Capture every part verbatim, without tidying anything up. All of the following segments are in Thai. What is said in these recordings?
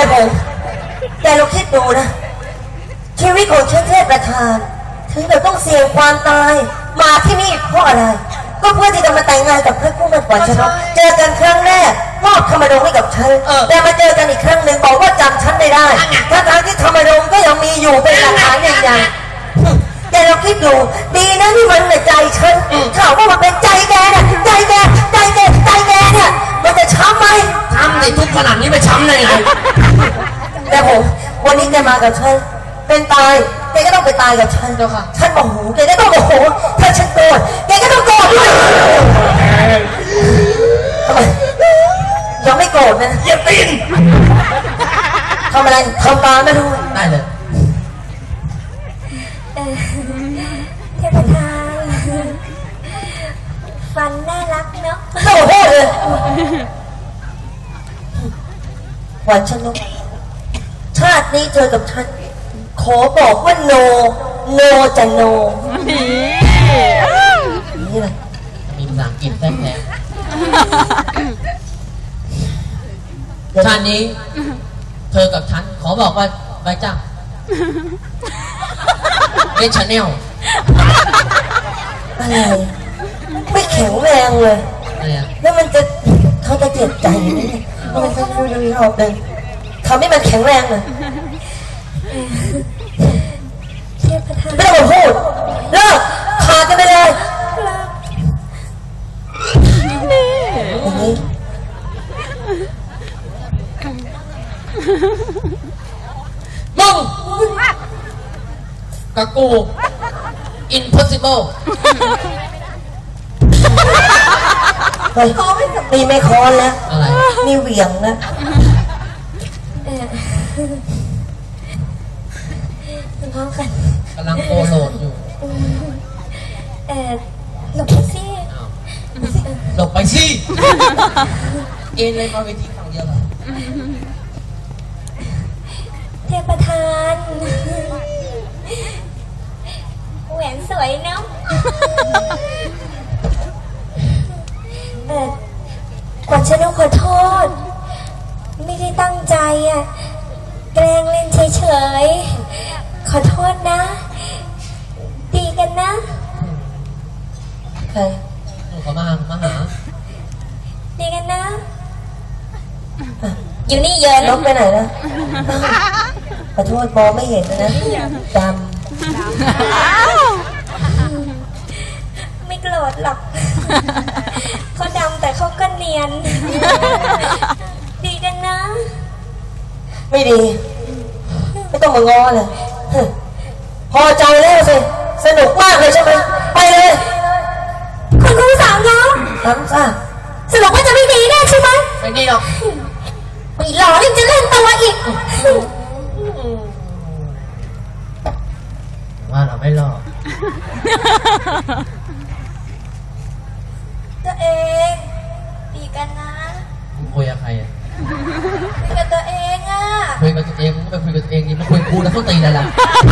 ผมแต่เราคิดดูนะชีวิตของฉันเทพประธานถึงเราต้องเสี่ยงความตายมาที่นี่เพราะอะไรก็เพื่อที่จะมาแต่งงานกับพระผู้เป็นขวัญชนกเจอกันครั้งแรกมอบธรรมดงให้กับฉันแต่มาเจอกันอีกครั้งหนึ่งบอกว่าจำฉันไม่ได้ทั้งๆที่ธรรมดงก็ยังมีอยู่เป็นหลักฐานอย่างใหญ่แต่เราคิดดูดีนะที่มันในใจฉันถามว่ามันเป็นใจแกเนี่ยใจแกใจแกใจแกเนี่ยมันจะช้ำไหมช้ำในทุกขนาดนี้ไม่ช้ำเลยไงแต่ผมวันนี้แกมากับฉันเป็นตายแกก็ต้องไปตายกับฉันเจ้าค่ะฉันโมโหแกก็ต้องโมโหถ้าฉันโกรธแกก็ต้องโกรธด้วยทำไมยังไม่โกรธนะอย่าตีนทำอะไรทำตาไม่รู้ได้เลยเทพทานฟันน่ารักเนาะโอ้โหเลยขวัญชนกชาตินี้เจอกับฉันขอบอกว่าโนโนจะโนนี่เลยมีภาษาอังกฤษแท้ๆชาตินี้เธอกับฉันขอบอกว่าไปจ้าเล่นชาแนลอะไรไม่แข็งแรงเลยแล้วมันจะเขาจะเจ็บใจนี่มันจะดูดูรอบเลยทำให้มันแข็งแรงเลยไม่ต้องมาพูดเลิกขาดกันไปเลยอย่างนี้มึงกับกู impossible เฮ้ยนี่ไม่คอนแล้วอะไรนี่เหวี่ยงนะพร้อมกันกำลังโคโลดอยู่เออหลบไปสิหลบไปสิเอ็นเลยมาเวทีฝั่งเดียวเหรอเทพประธานแหวนสวยเนาะเออขวัญชนกขอโทษไม่ได้ตั้งใจอ่ะแกล้งเล่นเฉยๆขอโทษนะดีกันนะใครหนูเขามามาหาดีกันนะอยู่นี่เยอะนกไปไหนนะขอโทษมองไม่เห็นนะจำไม่โกรธหรอกเขาดำแต่เขาก็เนียนดีกันนะไม่ดีไม่ต้องมาง้อเลยพอใจแล้วสิสนุกมากเลยใช่ไหมไปเลยคุณครูสาวน้องทำซะสรุปว่าจะไม่ดีแน่ใช่ไหมไม่ดีหรอกไม่หล่อยิ่งจะเล่นตัวอีกว่าเราไม่หล่อตัวเองดีกันนะคุยกับใครอ่ะคุยกับตัวเองอ่ะคุยกับตัวเองมึงไปคุยกับตัวเองดิมาคุยกูแล้วต้องตีอะไรล่ะ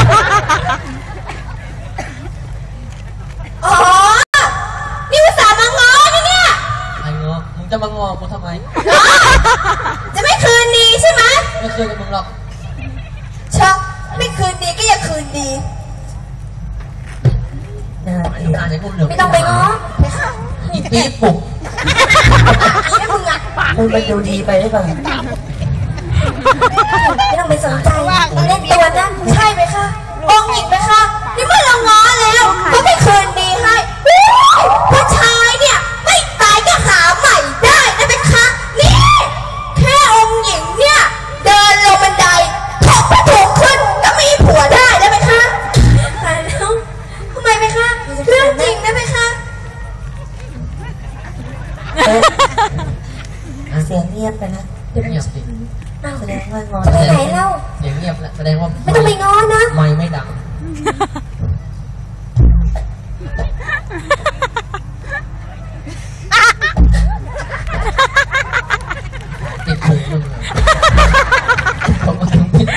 อ๋อนี่ภาษามางอนี่เนี่ยไอ้งอมึงจะมางอกูทำไมจะไม่คืนดีใช่ไหมไม่คืนกับมึงหรอกชักไม่คืนดีก็อย่าคืนดีไม่ต้องไปง้ออีปี๊บปุกมึงอ่ะมึงไปดูดีไปได้ป่ะไม่ต้องไปสนใจเล่นตัวนั้นใช่ไหมคะองหญิงไหมคะนี่เมื่อเราง้อแล้วก็ไม่คืนดีให้ผู้ชายเนี่ยไม่ตายก็หาใหม่ได้นะไหมคะนี่แค่องหญิงเนี่ยเดินลงบันไดถกไปถูกขึ้นก็มีผัวได้ได้ไหมคะตายแล้วทำไมไหมคะเรื่องจริงได้ไหมคะเสียงเงียบไปนะเงียบสิแสดงว่างอจะไปไหนเล่าเสียงเงียบแสดงว่าไม่ต้องไปง้อนะไม่ไม่ดังติดถุงมึงผมก็ถึงติด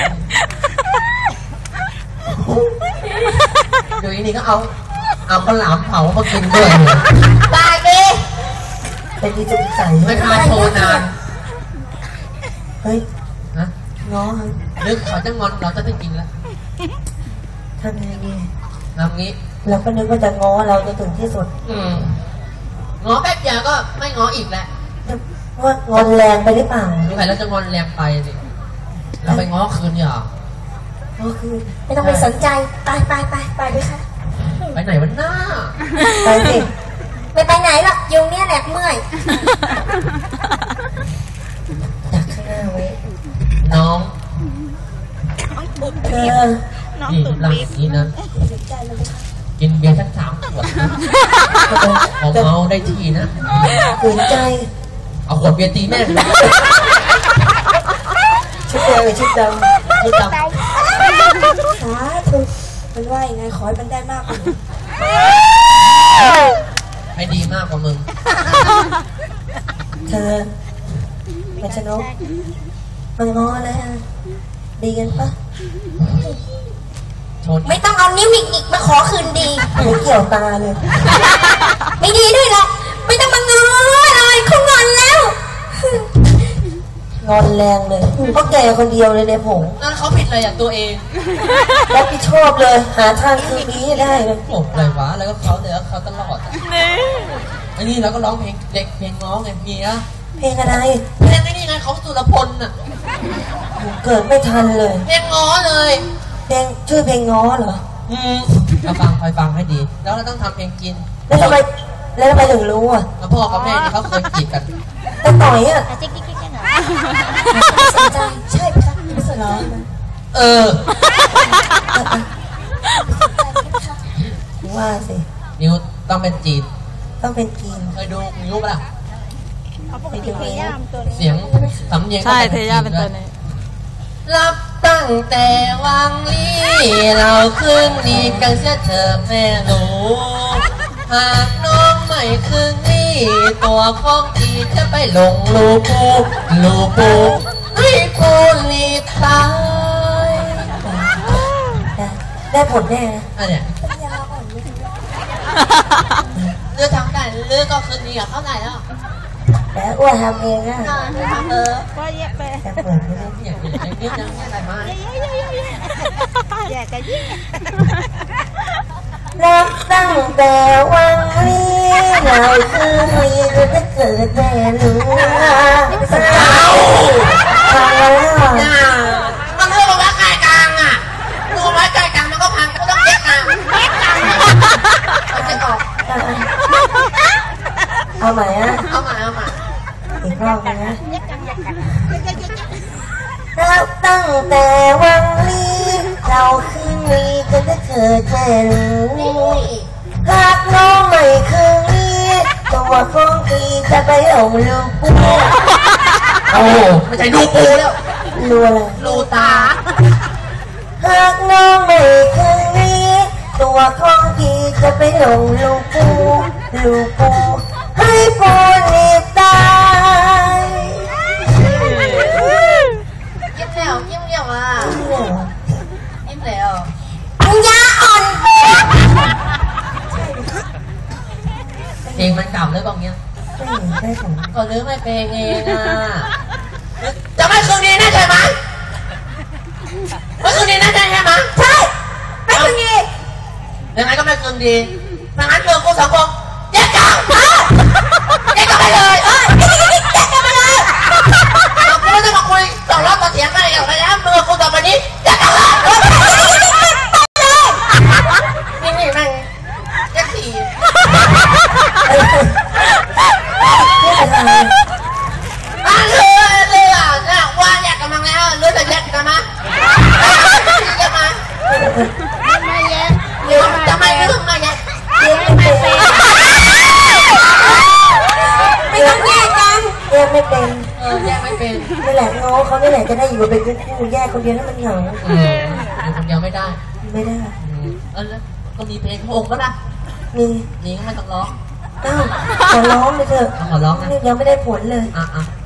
เดี๋ยวนี้ก็เอาเอาข้าวหลามเผามากินด้วยบายดิเป็นที่จุกใส่ไม่พาโชว์นานเฮ้ยนะทำไมง้อนึกเขาจะงอนเราจะได้กินแล้วทำยังไงดีทำงี้เราก็นึกว่าจะง้อเราจะถึงที่สุดอืมงอแป๊บเดียวก็ไม่งออีกแล้วว่างอนแรงไปหรือเปล่าสงสัยเราจะงอนแรงไปสิเราไปง้อคืนเนี่ยเหรอก็คือไม่ต้องไปสนใจไปไปไปไปด้วยค่ะไปไหนวันหน้าไปสิไม่ไปไหนหรอกยุงเนี่ยแหละเมื่อยดักข้างหน้าไว้น้องเธอนี่ร่างนี้นะกินเบียร์สักสามขวดพอเมาได้ทีนะขืนใจเอาขวดเบียร์ตีแม่งเลยชุดแดงหรือชุดดำชุดดสาธุมันว่ายังไงขอให้มันได้มากกว่านี้ำให้ดีมากกว่ามึงเธอมันชนกมันง้อแล้วดีกันปะชนไม่ต้องเอานิ้วหงิกๆมาขอคืนดีไม่เกี่ยวตาเลยไม่ดีด้วยหรอกไม่ต้องมาง้อเลยเขางอนแล้วงอนแรงเลยเพราะแกคนเดียวเลยในผงนั่นเขาผิดอะไรอ่ะตัวเองรับผิดชอบเลย หาทางคืนนี้ให้ได้เลยโอ้อะไรวะแล้วก็เขาเนี่ยเขาตลอดอ่ะอันนี้เราก็ร้องเพลงเด็กเพลงง้อไงเมียเพลงอะไรเพลงไอ้นี่ไงเขาสุรพลน่ะเกิดไม่ทันเลยเพลงง้อเลยเพลงชื่อเพลงง้อเหรออืมเราฟังคอยฟังให้ดี แล้วเราต้องทำเพลงกินแล้วทำไมแล้วทำไมถึงรู้อ่ะแล้วพ่อกับแม่นี่เขาเคยจีบกันแต่ต่อยอ่ะจิ๊กจิ๊กจิ๊กหน่อยสนใจใช่ไหมคะไม่สนใจเออว่าสินิ้วต้องเป็นจีบต้องเป็นกีนเคยดูนิ้วปะล่ะไปดูเองเสียงสำเนียงใช่เทย่าเป็นตัวนี้รับตั้งแต่วังลี่เราคืนดีกันเสียเธอแม่หนูหากน้องไม่คืนดีตัวของดีจะไปหลงลูปูลูปูให้ปูรีตายได้ได้ผลแน่นะอันเนี้ยเลือกทำได้เลือกก็คืนดีกับเขาไหนแล้วแต่อ้วนทำเองนะเออก็แยกไปแต่เปิดไม่ได้อย่างนี้อย่างนี้ยังอะไรมาแยกกันยิ่งรักตั้งแต่วันนี้เราคือมีจะเกิดแต่รู้เอาเอาแล้วมันเรื่องว่าไก่กลางอ่ะรู้ไหมไก่กลางมันก็พังก็ต้องแยกกลางแยกกลางมันจะออกเอาใหม่อ่ะเอาใหม่เอาใหม่อีกรอบนะรักตั้งแต่วันนี้เราคือมีจะเกิดแต่รู้หากน้องไม่คืนนี้ตัวของพี่จะไปหลงลูกปูโอ้ไม่ใช่ดูปูแล้วรู้อะไรดูตาหากน้องไม่คืนนี้ตัวของพี่จะไปหลงลูกปูลูกปูให้ปูรีบตายยิ้มแล้วยิ้มแล้วอ่ะยิ้มแล้วปัญญาอ่อนเพลงมันเก่าเลยบอกเงี้ยไม่เห็นได้ผลก็ลืมไม่เพลงเองอ่ะจะไม่คืนดีนะใช่ไหมไม่คืนดีนะใช่ไหมใช่ไม่คืนดียังไงก็ไม่คืนดีดังนั้นเรื่องกูสังคมแยกกันแยกกันไปเลยเอ้ยแยกกันไปเลยเราไม่ต้องมาคุยต่อรอบต่อเถียงกันอย่างไรนะเมื่อกูต่อไปนี้แยกกันเลยนี่นี่แม่งแยกสี่ อ่ะเรือเรือน่ะว่าแยกกันมาแล้วเรือจะแยกกันมาจะมาไม่แยกเรือจะไม่เรื่องมาแยกไม่เป็นไม่ต้องแยกกันแยกไม่เป็นเออแยกไม่เป็นนี่แหละง้อเขานี่แหละจะได้อยู่เป็นคู่แยกคนเดียวแล้วมันเหงาเอออยู่คนเดียวไม่ได้ไม่ได้เออก็มีเพลงพระองค์ก็ได้มีนี่ก็ไม่ต้องร้องอ้าวขอร้องเลยเถอะขอร้องนะยังไม่ได้ผลเลยอ่ะอ่ะ